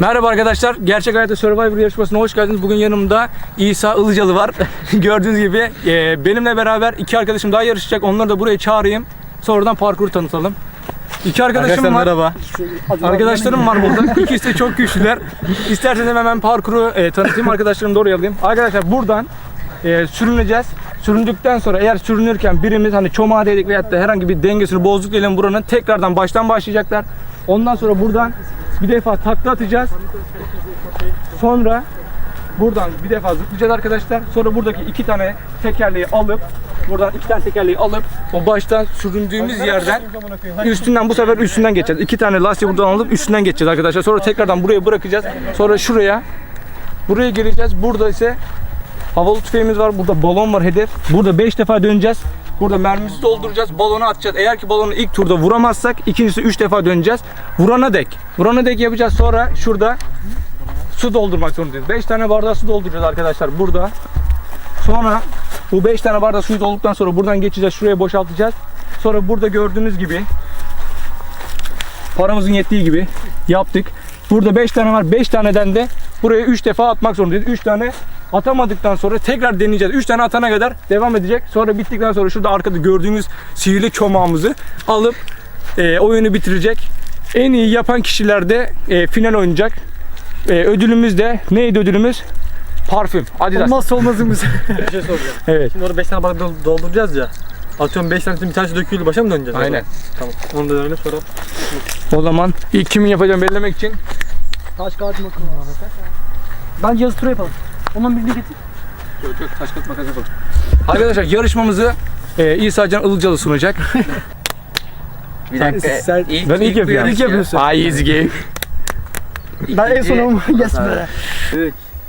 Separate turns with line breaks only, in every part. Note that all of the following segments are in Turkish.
Merhaba arkadaşlar, Gerçek Hayatta Survivor yarışmasına hoş geldiniz. Bugün yanımda İsa Ilıcalı var. Gördüğünüz gibi benimle beraber iki arkadaşım daha yarışacak. Onları da buraya çağırayım. Sonradan parkuru tanıtalım. İki arkadaşım var.
Merhaba.
Arkadaşlarım var burada. İkisi de çok güçlüler. İsterseniz hemen parkuru tanıtayım, arkadaşlarımı da oraya alayım. Arkadaşlar buradan sürüneceğiz. Süründükten sonra eğer sürünürken birimiz hani çomağa değdik veyahut da herhangi bir dengesini bozduk diyelim, buranın tekrardan baştan başlayacaklar. Ondan sonra buradan bir defa takla atacağız. Sonra buradan bir defa zıplayacağız arkadaşlar. Sonra buradaki iki tane tekerleği alıp buradan iki tane tekerleği alıp o baştan süründüğümüz yerden üstünden, bu sefer üstünden geçeceğiz. İki tane lastiği buradan alıp üstünden geçeceğiz arkadaşlar. Sonra tekrardan buraya bırakacağız. Sonra buraya geleceğiz. Burada ise havalı tüfeğimiz var. Burada balon var, hedef. Burada 5 defa döneceğiz. Burada mermimizi dolduracağız. Balonu atacağız. Eğer ki balonu ilk turda vuramazsak ikincisi 3 defa döneceğiz. Vurana dek yapacağız. Sonra şurada su doldurmak zorundayız. 5 tane bardağı su dolduracağız arkadaşlar burada. Sonra bu 5 tane bardağı suyu dolduktan sonra buradan geçeceğiz. Şuraya boşaltacağız. Sonra burada gördüğünüz gibi paramızın yettiği gibi yaptık. Burada 5 tane var. 5 taneden de buraya 3 defa atmak zorundayız. 3 tane atamadıktan sonra tekrar deneyeceğiz. 3 tane atana kadar devam edecek. Sonra bittikten sonra şurada arkada gördüğünüz sihirli çomağımızı alıp oyunu bitirecek. En iyi yapan kişiler de final oynayacak. Ödülümüz de neydi ödülümüz? Parfüm. Adidas.
Olmazsa olmazımız. Bir şey soracağım.
Evet.
Şimdi orada 5 tane bardak dolduracağız ya. Atıyorum 5 tanesinin bir tanesi dökülür, başa mı döneceğiz?
Aynen.
Tamam. Onu da öyle sonra.
O zaman ilk kimin yapacağını belirlemek için
Taş kağıt makas. Bence yazı tura yapalım. Ondan birini getir.
çok taş kağıt makas yapalım. Arkadaşlar yarışmamızı İsa Can Ilıcalı sunacak.
Bir dakika.
Ben ilk yapıyorum.
İlk yapıyorsun.
Ay easy game.
Ben en son olma. Yes be.
3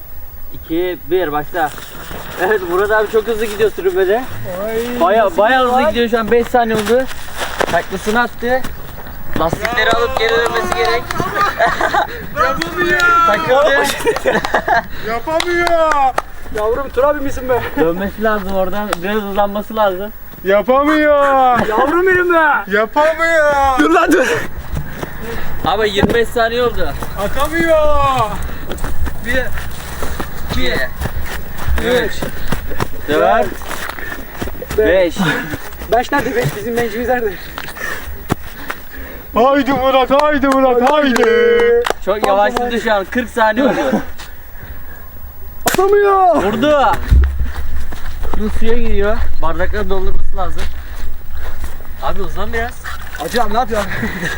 2 1 başla. Evet, Murat abi çok hızlı gidiyor sürümede. Baya hızlı gidiyor şu an, 5 saniye oldu. Taklasını attı. Lastikleri alıp geri dönmesi gerek.
Yapamıyor!
Takıldı.
Yapamıyor!
Yavrum tur abi misin be?
Dönmesi lazım oradan. Biraz hızlanması lazım.
Yapamıyor!
Yavrum benim be.
Yapamıyor!
Dur lan dur.
Abi 25 saniye oldu.
Atamıyor!
1 2 3 4 5
Beş nerede? Beş bizim bencimiz nerede?
Haydi Murat, haydi Murat, haydi!
Çok yavaşladı şu an. 40 saniye oldu.
Atamıyor.
Vurdu. Şimdi suya giriyor. Bardakları doldurması lazım. Abi hızlan biraz.
Acı abi ne yapıyorsun?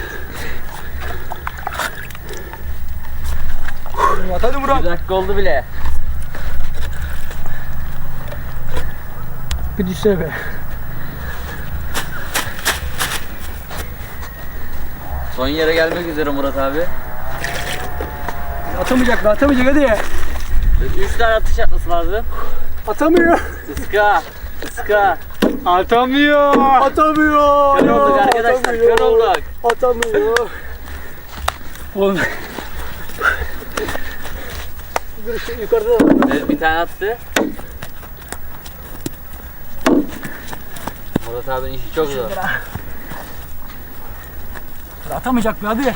Hadi Murat.
1 dakika oldu bile.
Bir düşsene be.
Son yere gelmek üzere Murat abi.
Atamayacak be, atamayacak hadi.
3 tane atış atması lazım.
Atamıyor.
Iska. Iska.
Atamıyor!
Atamıyor.
Kör olduk arkadaşlar. Kör olduk.
Atamıyor.
Oğlum.
Dur şu yukarıda da var.
Evet, bir tane attı. Murat abinin işi çok zor.
Atamayacak be hadi.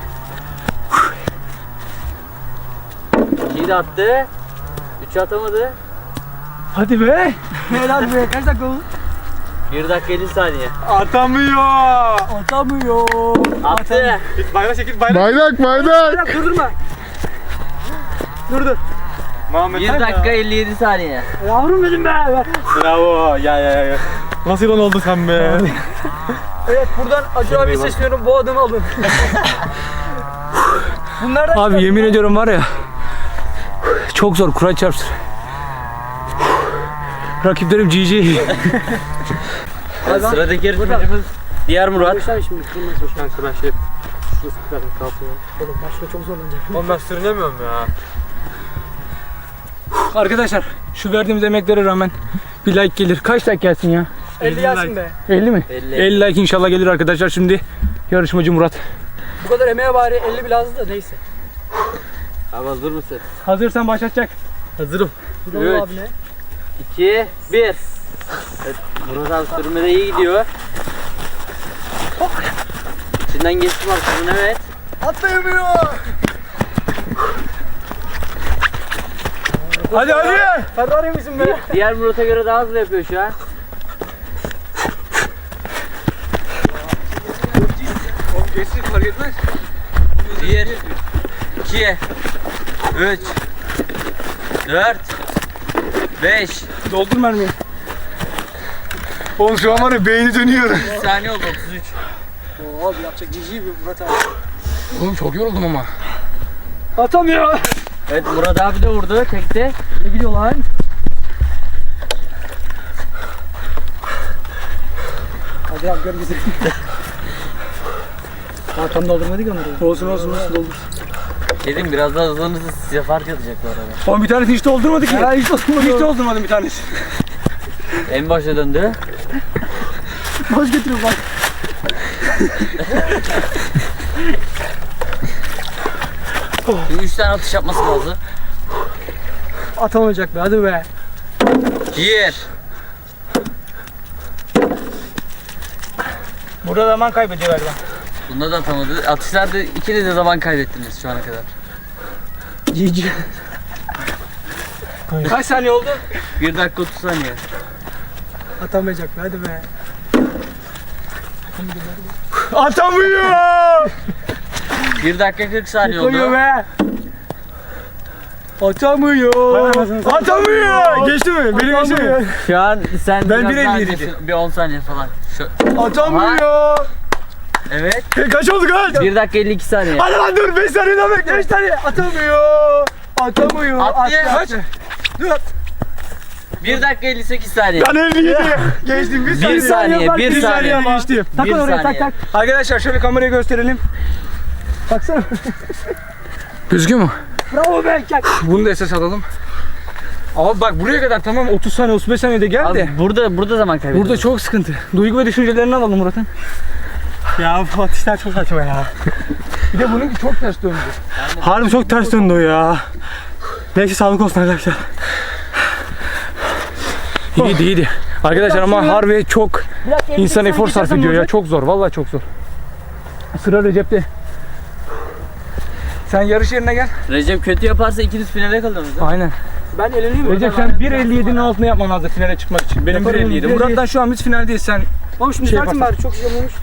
2'yi de attı. 3'ü atamadı.
Hadi be. Helal be. Kaç dakika oldu?
1 dakika 50 saniye.
Atamıyor!
Atamıyor.
Attı.
Git bayrak çekil, bayrak.
Bayrak durdurma. Dur.
Muhammed
1
sen
dakika 57 saniye.
Yavrum benim be. Ver.
Bravo, ya. Nasıl yılan oldun sen be?
Evet buradan Acun abiye sesleniyorum, bu adımı alın. Bunlardan
Abi yemin ediyorum var ya, çok zor, Kur'an çarpsın. Rakiplerim GG.
Sıradaki yarışmacımız diğer Murat.
Başlar şimdi kırmızı.
Kanka ben şurası zaten kalkıyor.
Oğlum başka çok zorlanacak.
Oğlum ben sürünemiyorum ya.
Arkadaşlar şu verdiğimiz emeklere rağmen bir like gelir. Kaç like gelsin ya?
50 gelsin be.
50 mi?
50.
50 like inşallah gelir arkadaşlar. Şimdi yarışmacı Murat.
Bu kadar emeğe bari 50 bile azdı da neyse.
Abi hazır mısın?
Hazırsan başlatacak.
Hazırım.
Gidelim
Evet.
abi ne?
2 1 Evet, Murat abi sürmede iyi gidiyor. İçinden geçtim aslında, evet.
Atlayamıyor.
Hadi hadi.
Ferrari misin be?
Diğer Murat'a göre daha hızlı yapıyor şu an.
Geçsin fark etmez.
1, 2, 3, 4, 5.
Doldur mermiyi.
Oğlum şu an var ya beyni dönüyor.
3 saniye oldu 33.
Oo abi yapacak cici bir Murat abi.
Oğlum çok yoruldum ama.
Atamıyor.
Evet Murat abi de vurdu tekte.
Ne gidiyor lan? Hadi abi gör bizi. Tam doldurmadık onları.
Olsun olsun olsun doldur.
Dedim biraz daha hızlanırsa size fark edecek bu arada.
Oğlum bir tanesi hiç doldurmadı ki.
Ya hiç doldurmadı.
Hiç doldurmadım bir tanesi.
En başa döndü.
Boş getiriyor bak.
Şimdi 3 tane atış yapması lazım.
Atamayacak be hadi be.
1.
Burada zaman kaybediyor galiba.
Bunda da atamadı. Atışlarda ikiniz de zaman kaybettiniz şu ana kadar.
Cici.
Kaç saniye oldu?
1 dakika 30 saniye.
Atamayacak be hadi be.
Atamıyor.
1 dakika 40 saniye
Atamıyor
oldu.
be. Atamıyor. Atamıyor. Geçti mi? Benim geçti mi?
Şu an sen
Ben
biraz daha
1.57
öndesin. Bir 10 saniye falan.
Atamıyor.
Evet.
Kaç oldu kaç?
1 dakika 52 saniye.
Hadi lan dur 5 saniye daha bekle. 5 saniye. Atamıyor. Atamıyor.
Attı.
Kaç? Dur.
1 dakika 58 saniye.
Ben 57. Geçtim 1 saniye.
1 saniye, 1
Bir saniye
saniye.
geçtim.
Tak
Bir
onu oraya tak
saniye.
tak.
Arkadaşlar şöyle kamerayı gösterelim.
Baksana.
Gözüküyor mu?
Bravo be kek.
Bunu da esas alalım. Abi bak buraya kadar tamam 30 saniye 35 saniyede geldi.
Abi burada zaman kaybediyoruz.
Burada çok sıkıntı. Duygu ve düşüncelerini alalım Murat'ın.
Ya bu atışlar çok saçma ya.
Bir de bununki çok ters döndü.
Harbi çok ters döndü o ya. Neyse sağlık olsun arkadaşlar.
İyiydi iyiydi. Arkadaşlar ama harbi çok
Bir dakika,
insan
58
efor sarf
geçersem
ediyor ya.
olacak.
Çok zor. Vallahi çok zor. Sıra Recep'te. Sen yarış yerine gel.
Recep kötü yaparsa ikiniz finale kalıyorsunuz.
Aynen.
Ben eleneyim mi?
Recep sen 1.57'nin altına yapman lazım finale çıkmak için. Benim
Yaparım,
1.57.
1.57.
Murat'tan şu an biz finaldeyiz. Sen
Oğlum şunu
Şey
düzeltin bari çok şey olmuş da.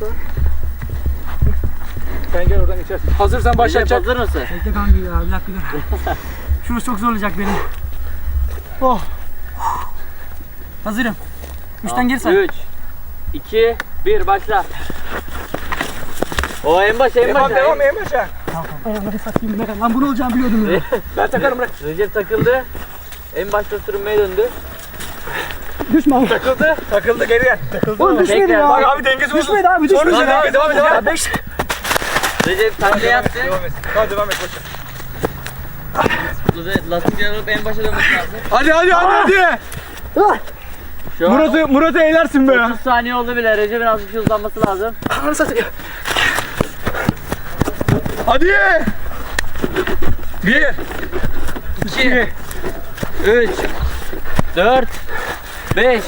sen gel oradan geçersin. Hazırsan
Recep
başlayacak.
hazır mısın?
Bekle kanka ya bir dakika dur. Şurası çok zorlayacak beni. Oh. Hazırım. 3'ten geri say.
3, 2, 1 başla. O en başa en başa.
Devam en başa.
Ayağımları satayım ben. Lan bunu olacağını biliyordum ya.
Ben takarım bırak.
Recep takıldı. En başta sürünmeye döndü.
Düşme abi.
Takıldı. Takıldı geri gel.
Oğlum düşmedi
Tekrar.
ya.
Bak abi dengesi bozuldu.
Düşmedi abi düşmedi.
Sonra devam et devam et.
Ya 5.
Recep takla yaptı.
Devam et. Hadi devam et başla.
Lastikleri alıp en başa dönmesi lazım.
Hadi hadi hadi.
Şu an
Murat'ı eğlersin be.
30 saniye oldu bile. Recep'in az bir şey hızlanması lazım.
Ananı satayım.
Hadi. 1
2, 3, 4, 5.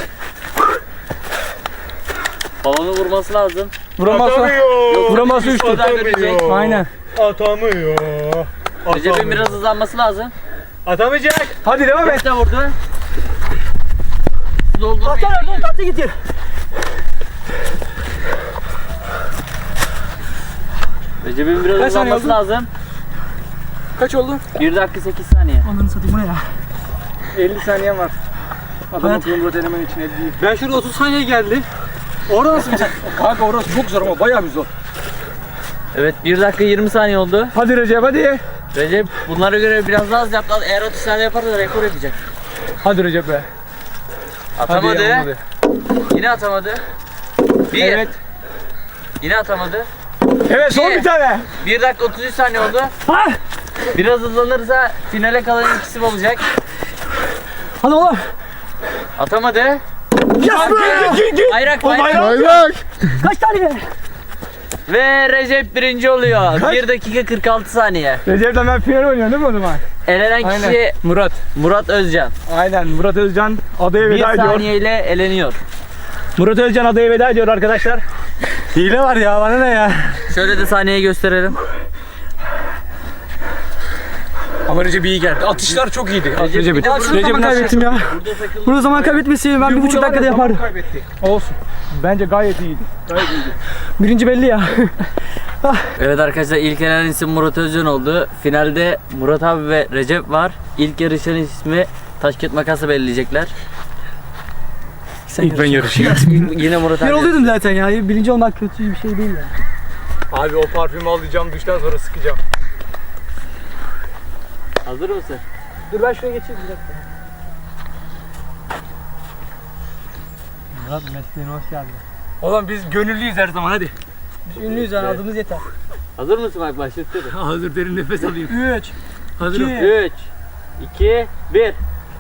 Balonu vurması lazım.
Vuramazsa. Vuramazsa 3 tur.
Döndürecek.
Aynen.
Atamıyor.
Recep'in biraz hızlanması lazım.
Atamayacak.
Hadi devam et.
Evet de vurdu. Doldu.
Atar oradan tatlı gidiyor.
Recep'in biraz
Kaç saniye
hızlanması
oldu?
lazım.
Kaç oldu?
1 dakika 8 saniye.
Ananı satayım bu ne ya?
50 saniyen var. Adam
Evet.
akıllı Murat elemen için 50 değil.
Ben şurada 30 saniye geldi. Orada nasıl bir
Kanka orası çok zor ama bayağı bir zor.
Evet 1 dakika 20 saniye oldu.
Hadi Recep hadi.
Recep bunlara göre biraz daha az yaptı. Eğer 30 saniye yaparsa rekor yapacak.
Hadi Recep be.
Atamadı.
Hadi, olmadı.
Yine atamadı. 1.
Evet.
Yine atamadı.
Evet son bir tane.
1 dakika 33 saniye oldu.
Ha!
Biraz hızlanırsa finale kalan ikisi olacak.
Hadi oğlum.
Atamadı.
Yes be.
Bayrak
O
bayrak.
bayrak.
Kaç tane?
Ve Recep birinci oluyor.
Kaç?
1 dakika 46 saniye.
Recep'le ben final oynuyorum değil mi o zaman?
Elenen
Aynen.
kişi
Murat.
Murat Özcan.
Aynen Murat Özcan adaya
1
veda ediyor.
saniyeyle eleniyor.
Murat Özcan adaya veda ediyor arkadaşlar.
hile var ya, bana ne ya?
Şöyle de saniyeyi gösterelim.
Ama Recep iyi geldi. Atışlar çok iyiydi. Recep'in.
Ya şurada zaman kaybettim ya.
Burada takıldı.
Burada zaman kaybetmesi ben 1,5 dakikada yapardım.
Kaybetti. Olsun. Bence gayet iyiydi. Gayet iyiydi.
Birinci belli ya.
Evet arkadaşlar, ilk elenen isim Murat Özcan oldu. Finalde Murat abi ve Recep var. İlk yarışan ismi taş kağıt makası belirleyecekler.
İlk ben yarışayım.
Yine Murat abi.
Ben oluyordum zaten ya. Birinci olmak kötü bir şey değil ya.
Abi o parfümü alacağım, duştan sonra sıkacağım.
Hazır mısın?
Dur ben şuraya geçeyim bir dakika.
Murat mesleğine hoş geldin.
Oğlum biz gönüllüyüz her zaman hadi.
Biz ünlüyüz yani adımız yeter.
Hazır mısın bak, başlatıyorum.
Hazır, derin nefes alayım.
3,
Hazırım.
3, 2, 1.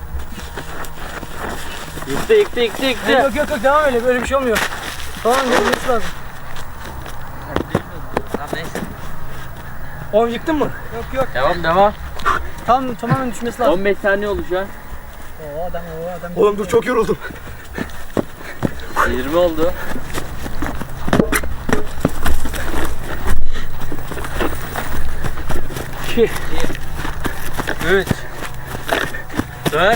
Yıktı.
Yok devam öyle böyle bir şey olmuyor. Tamam gelmesi lazım.
Tamam neyse.
Oğlum yıktın mı?
Yok.
Devam.
Tam tamamen düşmesi lazım.
15 saniye oldu şu an.
Oo adam.
Oğlum dur, çok yoruldum.
20 oldu.
İki.
3 4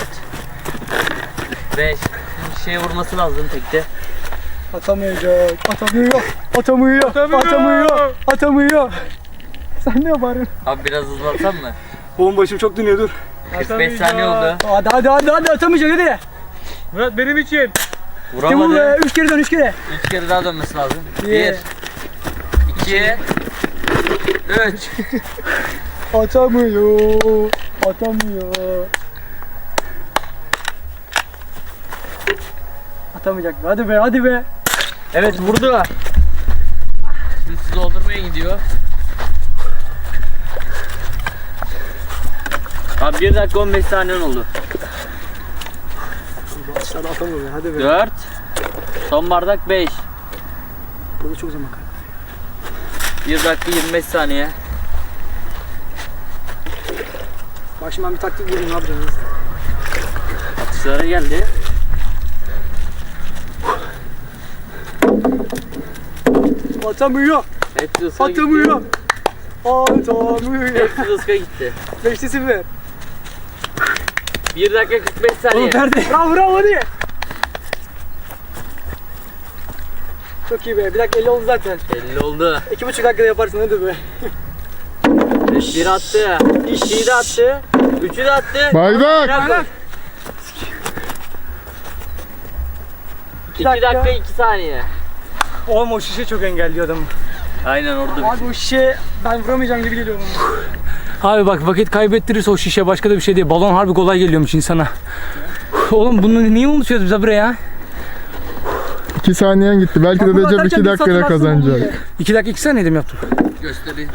5. Şeye vurması lazım tekte.
Atamıyor. Sen ne yaparsın?
Abi biraz hızlansam mı?
Oğlum başım çok dönüyor, dur.
45 saniye oldu.
Hadi atamayacak hadi.
Murat benim için.
Kim bu
Vuramadı.
be? 3 kere dön 3 kere.
3 kere daha dönmesi lazım. 1
Bir.
2 3.
Atamıyor. Atamayacak be. Hadi be.
Evet vurdu. Şimdi su doldurmaya gidiyor. Abi 1 dakika 15 saniyen oldu.
Aşağıda atamıyor be. Hadi be.
4 Son bardak 5
Burada çok zaman kaybı.
1 dakika 25 saniye.
Bak şimdi ben bir taktik bulayım ne yapacağız?
Atışlara geldi.
Atamıyor.
Hepsi ıska gitti. Hepsi ıska gitti.
5'te 0.
1 dakika 45 saniye.
Nerede? Bravo hadi. Çok iyi be. Bir dakika 50 oldu zaten.
50 oldu.
2,5 dakikada yaparsın hadi be.
1 attı. 2'yi de attı. 3'ü de attı.
Bardak.
2 dakika 2 saniye.
Oğlum o şişe çok engelliyor adamı.
Aynen orada.
Abi o şişe ben vuramayacağım gibi geliyor bana.
Abi bak, vakit kaybettirirse o şişe başka da bir şey değil. Balon harbi kolay geliyormuş insana. Oğlum bunu niye unutuyoruz biz buraya?
2 saniyen gitti. Belki de
Bak, bu
Recep
atarken
2
bir
dakikada
satır aslında
kazanacak.
oluyor.
2 dakika 2 saniyede mi yaptım?
Gösterelim.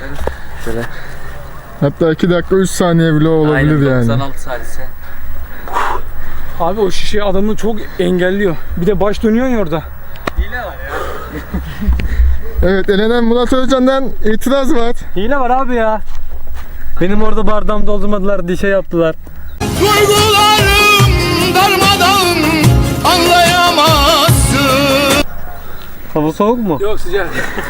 Hatta 2 dakika 3 saniye bile olabilir
Aynen,
yani.
96 salise.
Abi o şişe adamı çok engelliyor. Bir de baş dönüyor ya orada.
Evet, elenen Murat Özcan'dan itiraz var.
Hile var abi ya. Benim orada bardağımı doldurmadılar diye şey yaptılar.
Duygularım darmadağın anlayamazsın.
Hava soğuk mu?
Yok, sıcak.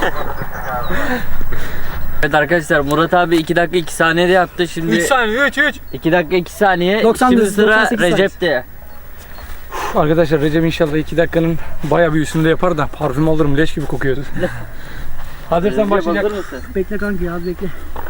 Evet arkadaşlar, Murat abi 2 dakika 2 saniyede yaptı. Şimdi
3 saniye 3.
2 dakika 2 saniye.
90
Şimdi
dakika,
sıra
98
Recep'te.
Arkadaşlar Recep inşallah 2 dakikanın bayağı bir üstünde yapar da parfüm alırım, leş gibi kokuyordu. Hazırsan
Recep,
başlayacak.
hazır mısın?
Bekle kanka az bekle.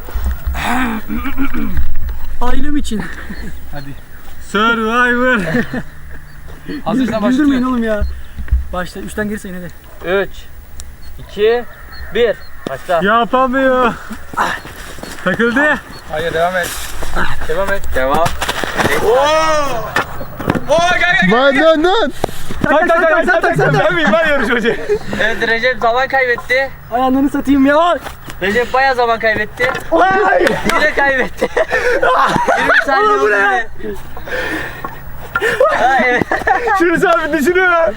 Ailem için.
Survivor.
Hazırsan
Güldürmeyin
başlıyor.
oğlum ya. Başla 3'ten geri sayın hadi.
3 2 1 Başla.
Yapamıyor. Takıldı.
Hayır, devam et. Devam et.
Devam.
Vay dön.
Sen tak.
Ben miyim? Ben yarışmacı.
Evet, Recep zaman kaybetti.
Ayağlarını satayım ya.
Recep bayağı zaman kaybetti. Yine kaybetti. 20 saniye oldu yine. Ha, evet.
Şunu sabit düşünüyor.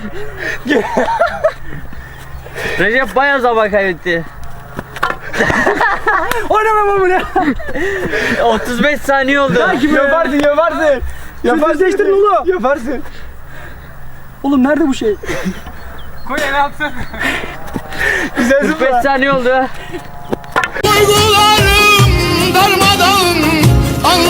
Recep bayağı zaman kaybetti.
Oynamam bunu.
35 saniye oldu.
Yaparsın.
Yaparsın değiştirin oğlum.
Yaparsın.
Oğlum nerede bu şey?
Koy el atsın. Güzel
45 saniye oldu.
Duygularım darmadağın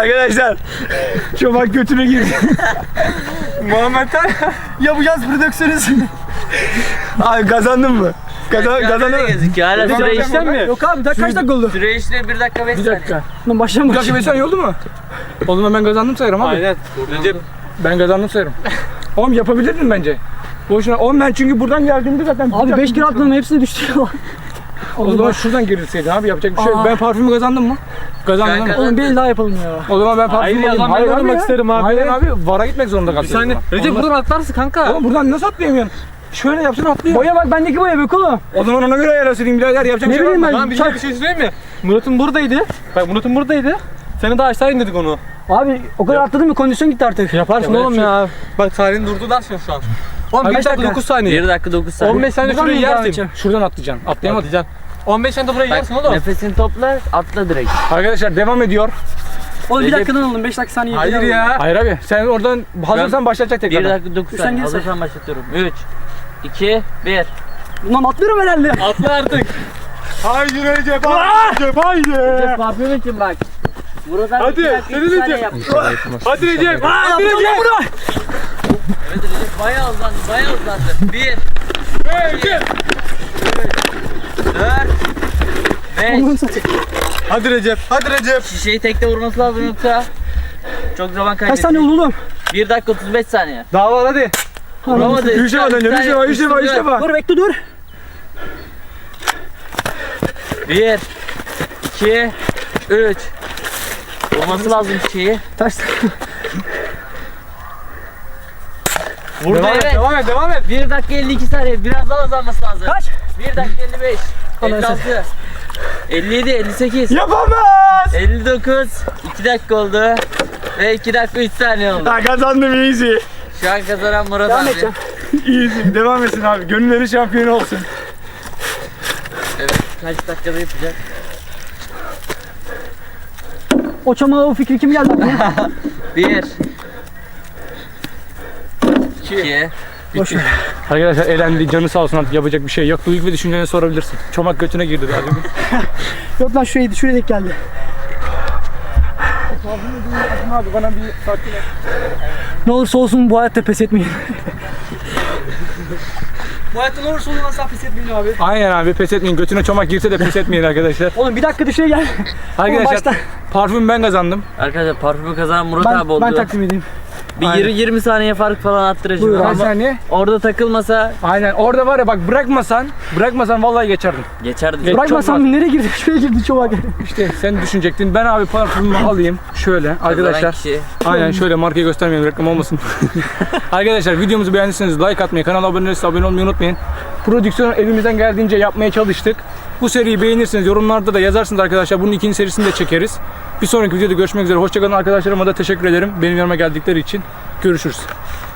Arkadaşlar çomak götüne girdi. Muhammed'den
Yapacağız prodüksiyonuz.
abi kazandın mı? Kazandın mı?
Gözüküyor. Hala süre işlem mi?
Yok abi kaç dakika oldu?
Süre işlemi 1 dakika 5
Bir
saniye.
dakika.
Lan baştan
Bir dakika 5 saniye oldu mu? O zaman ben kazandım sayarım abi.
Aynen. Recep.
Ben kazandım sayarım. Oğlum yapabilirdin bence. Boşuna. Oğlum ben çünkü buradan geldiğimde zaten...
Abi 5 kere atladım hepsini düştü ya.
O zaman şuradan girilseydin abi yapacak bir şey yok.
Aa.
Ben parfümü kazandım mı? Kazandım değil mi?
Oğlum bir el daha yapalım ya.
O zaman ben parfümü
Hayır ya,
alayım.
ben oynamak
ya.
isterim abi.
Hayır abi vara gitmek zorunda
Bir
kalacağız.
saniye. Recep buradan atlarsın kanka.
Oğlum buradan nasıl atlayamıyorsun? Şöyle yapsın atlıyor.
Boya bak bendeki boya bak oğlum.
O zaman ona göre ayarlasın birader yapacak
Ne
bir şey var
bileyim
mı?
ben.
Lan bir şey söyleyeyim mi? Murat'ın buradaydı. Bak Murat'ın buradaydı. Seni daha aşağı indirdik onu.
Abi o kadar atladım mı kondisyon gitti artık.
Yaparsın oğlum ya. Bak Salih'in durdu şu an. Oğlum 1
Kaç
dakika
dakika?
9 saniye.
1 dakika 9 saniye.
15 saniye
Buradan
şurayı
mı devam
yersin.
edeceğim?
Şuradan atlayacaksın. Atlayamadım.
Atlayacaksın. 15 saniye burayı yersin oğlum.
Nefesini topla, atla direkt.
Arkadaşlar devam ediyor.
Oğlum bir
Recep-
dakikadan aldım 5 dakika saniye.
Hayır ya.
Hayır abi sen oradan hazırsan başlatacak
1
tekrar.
dakika 9
Sen
saniye.
gel sen.
Hazırsan başlatıyorum. 3, 2, 1.
Bundan atlıyorum herhalde.
Atla artık.
Haydi Recep haydi.
Recep parfüm için bak. Buradan
Hadi,
2 dakika
seni
2 saniye
Recep.
yap.
Hadi Recep.
Hadi Recep.
Evet Recep bayağı uzandı, bayağı uzandı. 1, 2, 4, 5.
Hadi Recep. Hadi Recep.
Şişeyi tekte vurması lazım yoksa çok zaman
Kaç
kaybedecek.
saniye oldu oğlum?
1 dakika 35 saniye.
Daha var hadi.
Vuramadı.
Bir şey var önce bir şey var bir şey var işte bak.
Dur bekle dur.
1, 2, 3. Vurması lazım şişeyi.
Taş.
Vurdu
Devam et
evet.
devam et devam et.
1 dakika 52 saniye. Biraz daha uzanması lazım.
Kaç?
1 dakika 55.
Allah'a
56. 57, 58.
Yapamaz.
59. 2 dakika oldu. Ve 2 dakika 3 saniye oldu.
Ha kazandım easy.
Şu an kazanan Murat
Devam
abi.
edeceğim.
Easy devam etsin abi. Gönülleri şampiyonu olsun.
Evet. Kaç dakikada yapacak?
O çamağa o fikri kim geldi aklına?
1, 2,
Boş ver.
Arkadaşlar elendi canı sağ olsun artık yapacak bir şey yok. Duygu ve düşüncelerini sorabilirsin. Çomak götüne girdi daha demin.
Yok lan şuraya denk geldi.
Abi bana bir sakin et.
Ne olursa olsun bu hayatta pes etmeyin. Bu hayatta ne olursa olsun asla pes etmeyin abi.
Aynen abi pes etmeyin. Götüne çomak girse de pes etmeyin arkadaşlar.
Oğlum bir dakika dışarı gel.
Arkadaşlar
baştan.
parfüm ben kazandım.
Arkadaşlar parfümü kazanan Murat abi oldu.
Ben takdim edeyim.
Bir 20 saniye fark falan attıracağım.
Buyur abi.
Kaç
Ama
saniye?
orada takılmasa
Aynen orada var ya bak bırakmasan vallahi geçerdim.
geçerdi.
Geç.
Bırakmasam
çok
nereye girdi? Şuraya girdi çomak.
İşte sen düşünecektin. Ben abi parfümümü alayım. Şöyle arkadaşlar.
Kişi.
Aynen şöyle markayı göstermeyelim reklam olmasın. Arkadaşlar videomuzu beğendiyseniz like atmayı, kanala abone değilseniz abone olmayı unutmayın. Prodüksiyonu elimizden geldiğince yapmaya çalıştık. Bu seriyi beğenirseniz yorumlarda da yazarsınız arkadaşlar. Bunun ikinci serisini de çekeriz. Bir sonraki videoda görüşmek üzere. Hoşçakalın arkadaşlarıma da teşekkür ederim. Benim yanıma geldikleri için. Görüşürüz.